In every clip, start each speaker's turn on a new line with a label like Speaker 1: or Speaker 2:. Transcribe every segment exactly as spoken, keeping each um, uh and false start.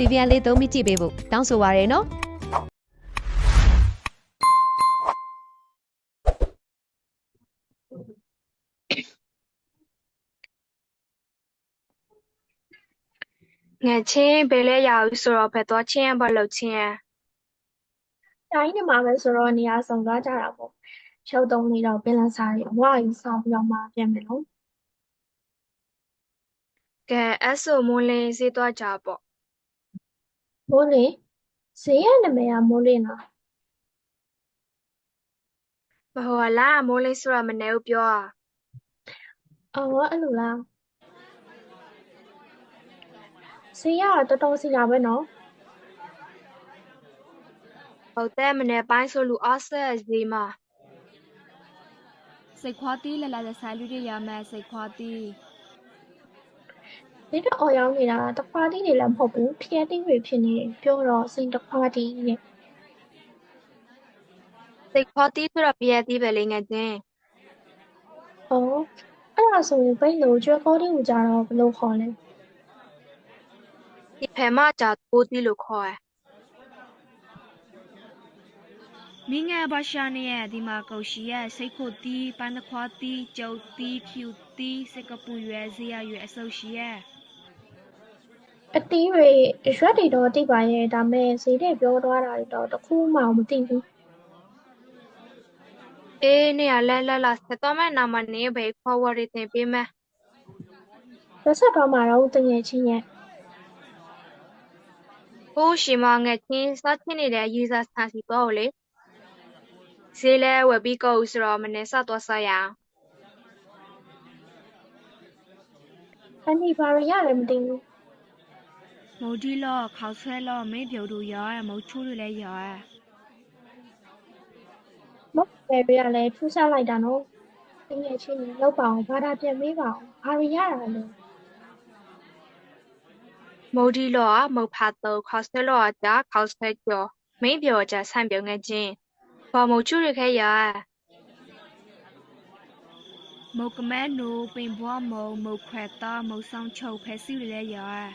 Speaker 1: ဗီဗီယန်လေးသုံးပြီးကြည့်ပေးဖို့တောင်းဆိုပါရနော်
Speaker 2: ငယ်ချင်းဘယ်လဲရအောင်ဆိုတော့ဘယ်တော့ချင်းဘာလို့ချင်း
Speaker 3: တိုင်းနေမှာပဲဆိုတော့နေရာဆောင်သွားကြတာပေါ့ရုပ်သုံးလေးတော့ပင်လန်းစားတွေအဝါကြီးဆောင်ပြီးတော့မှပြန်မယ်လို့
Speaker 2: ကဲအဲ့ဆိုမိုးလင်းစေးသွားကြပေါ့
Speaker 3: မိုးလင်းဈေးရနာမည်ကမိုးလင်းလား
Speaker 2: မဟုတ်လားမိုးလင်းဆိုတာမနေဘူးပြောอ่ะ
Speaker 3: အော်အဲ့လိုလားဈေးရတော့တော်တော်စီလာပဲနော်
Speaker 2: ဟုတ်တယ်မနေပိုင်းဆိုလူအားဆက်ဈေးမှာ
Speaker 4: စိတ်ခွာတီးလလာတဲ့ဆိုင်လူတွေရမယ်စိတ်ခွာတီး
Speaker 3: ဈေးတော့အော်ရောင်းနေတာတခွာတီးတွေလည်းမဟုတ်ဘူးဖျက်တီးတွေဖြစ်နေတယ်ပြောတော့စိတ်တခွာတီးနဲ့
Speaker 2: စိတ်ခေါ်တီးဆိုတော့ပြည့်တီးပဲလေငယ်ချင်း
Speaker 3: အော်အဲ့ဒါဆိုရင်ဘိတ်လို့ကျွဲကောတီးကိုကြတော့ဘယ်လိုခေါ်လဲ
Speaker 2: ဒီဖဲမကြတိုးတီးလို့ခေါ်ရ
Speaker 4: မိငယ်ဘာရှာနေရဲ့ဒီမှာကုတ်ရှိရဲ့စိတ်ခုတ်တီးပန်းတခွာတီးကျုပ်တီးဖြူတီးစကပူရွယ်ဇေယရွယ်အဆုပ်ရှိရဲ့
Speaker 3: အတီးတွေရွက်တွေတော့တိပါရဲ့ဒါမဲ့ဈေးတွေပြောသွားတာတွေတော့တစ်ခုမှမသိဘူး
Speaker 2: အေးနေရလဲလဲလာဆက်တော့မဲ့နာမနေပဲခေါ်ဝရတင်ပေးမယ်
Speaker 3: ရက်ဆက်တော့မှတော့တငယ်ချင်းရဲ့
Speaker 2: ဟိုးရှိမငယ်ချင်းစားချင်းနေတဲ့ရေးစားဆန်စီတော့လေဈေးလဲဝယ်ပြီးကောက်ဆိုတော့မနေစတော့ဆက်ရအောင်
Speaker 3: အန်ဒီဘာရရတယ်မသိဘူး
Speaker 4: မုတ်ဒီလော့ခေါက်ဆွဲလော့မင်းပြုတ်တို့ရောရဲ့မုတ်ချိုးတွေလည်းရောရဲ့
Speaker 3: မဟုတ်ပဲပြရလဲထူးဆန်းလိုက်တာနော်တငယ်ချင်းကြီးလောက်ပါအောင်ဘာသာပြန်မေးပါအောင်ဘာရရတာလဲ
Speaker 2: မိုဒီလောอ่ะမုတ်ဖာတော့ခေါက်ဆွဲလောอ่ะကြာခေါက်ဆွဲကြောမင်းပြောကြဆန့်ပြုံငယ်ချင်းဘာမုတ်ချူရခဲရ
Speaker 4: မုတ်ကမဲနိုပင်ဘွားမုံမုတ်ခွဲတာမုတ်ဆောင်ချုပ်ဖဲစီတွေလည်းရောရဲ့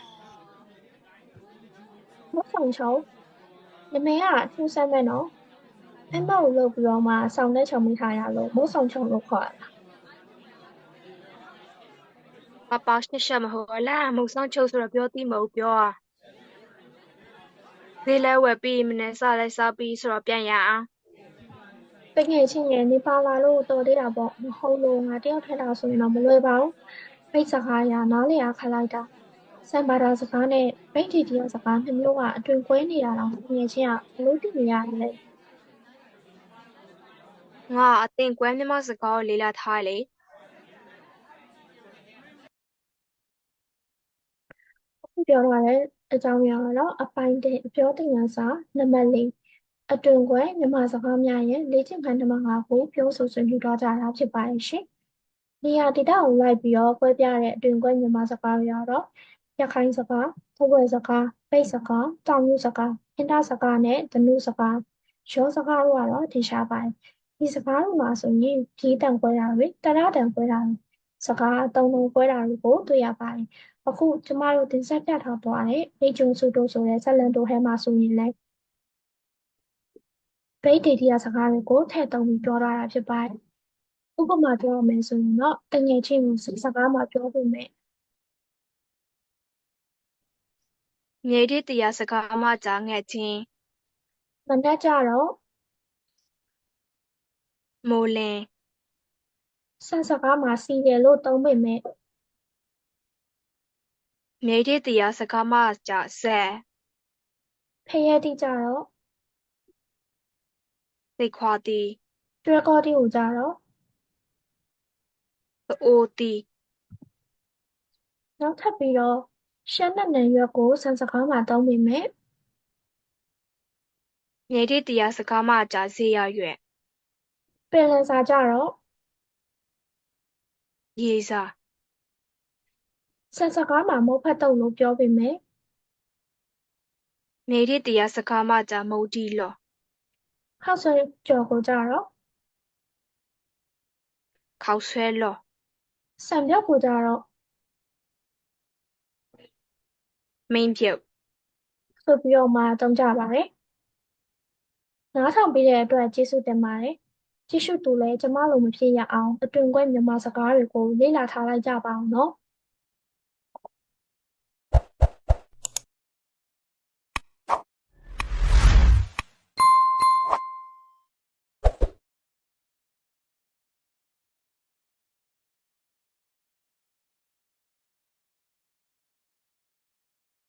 Speaker 3: မဆောင်ချုံနမေကထူးဆန်းမဲ့နော်အမောက်လုပ်ပြီးတော့မှဆောင်းတဲ့ချုံမိထားရလို့မဆောင်ချုံလို့ခေါ်ရတာ
Speaker 2: ပပောက်ရှက်ရှက်မဟုတ်လားမုတ်ဆောင်ချုပ်ဆိုတော့ပြောတိမဟုတ်ပြောอ่ะဈေးလဲဝယ်ပြီးမနေစလိုက်စားပြီးဆိုတော့ပြန်ရအောင်
Speaker 3: တငယ်ချင်းရဲ့နေပါလာလို့တော်သေးတာပေါ့မဟုတ်လို့ငါတယောက်ထက်တာဆိုရင်တော့မလွယ်ပါဘူးဖိတ်စကားရနားလေအားခက်လိုက်တာစံပါတာစကားနဲ့ဗိတ်တီတရားစကားနှစ်မျိုးကအတွင်ကွဲနေတာတော့တငယ်ချင်းကဘလို့တည်နေရတယ်လဲ
Speaker 2: ငါအတင်ကွဲမြမစကားကိုလေးလာထားလေ
Speaker 3: အခုပြောထားတဲ့အကြောင်းအရာကတော့အပိုင်းတစ်အပြောတင်ရစာနံပါတ်လေးအတွင်ခွဲမြန်မာစကားများရဲ့လေ့ကျင့်ခန်းနံပါတ်ငါကိုပြောဆိုဆွေးနွေးသွားကြတာဖြစ်ပါတယ်ရှင်။နေရာဒေသကိုလိုက်ပြီးတော့ကွဲပြားတဲ့အတွင်ခွဲမြန်မာစကားတွေကတော့ရခိုင်စကား၊ထဝယ်စကား၊ပိတ်စကား၊တောင်ယူစကား၊အင်တာစကားနဲ့ဓနုစကားရောစကားတို့ကတော့ထင်ရှားပါတယ်။ဒီစကားတွေမှာဆိုရင်ဒီတန်ခွဲတာတွေတရတန်ခွဲတာတွေစကားအသုံးလုံးခွဲတာတွေကိုတွေ့ရပါတယ်။အခုကျမတို့တင်ဆက်ပြထားသွားတဲ့လေကျုံစုတို့ဆိုတဲ့ဇာတ်လမ်းတိုဟဲမှာဆိုရင်လည်းဗိတ်ဒေဒီယာစကားတွေကိုထည့်သွင်းပြီးပြောထားတာဖြစ်ပါတယ်။ဥပမာပြောရမယ်ဆိုရင်တော့တငယ်ချင်းကိုစကားမှာပြောဖို့မယ်
Speaker 2: မြေတိတရားစကားမှကြာငယ်ချင်း
Speaker 3: ။မနက်ကြတော့
Speaker 2: မိုးလင်း
Speaker 3: စစကားမှာစီတယ်လို့သုံးပေမဲ့
Speaker 2: မြေတိတရားစကားမှကြာဆဲ
Speaker 3: ဖရဲတိကြတော့
Speaker 2: စိတ်ခွာတီး
Speaker 3: ကျွဲကောတိကိုကြတော့
Speaker 2: အိုတီး
Speaker 3: နောက်ထပ်ပြီးတော့ရှမ်းနဲ့နံရွက်ကိုစစကားမှာသုံးပေမဲ့
Speaker 2: မြေတိတရားစကားမှကြာဈေးရရွယ်
Speaker 3: ပင်လယ်စာကြတော့
Speaker 2: ရေစာ
Speaker 3: စစကားမှာမုတ်ဖတ်တုပ်လို့ပြောပေမဲ့
Speaker 2: မြေတိတရားစကားမှကြာမုတ်တီလော
Speaker 3: ခောက်ဆွဲကြော်ကိုကြတော့
Speaker 2: ခေါက်ဆွဲလော
Speaker 3: စံပြောက်ကိုကြတော့
Speaker 2: မင်းပြုတ်
Speaker 3: နောက်ဆိုပြီးတော့မှသုံးကြပါတယ်။နားထောင်ပေးတဲ့အတွက်ကျေးဇူးတင်ပါတယ်။ကြည့်ရှုသူလည်းကျမလိုမဖြစ်ရအောင်အတွင်ခွဲမြန်မာစကားတွေကိုလေ့လာထားလိုက်ကြပါအောင်နော်။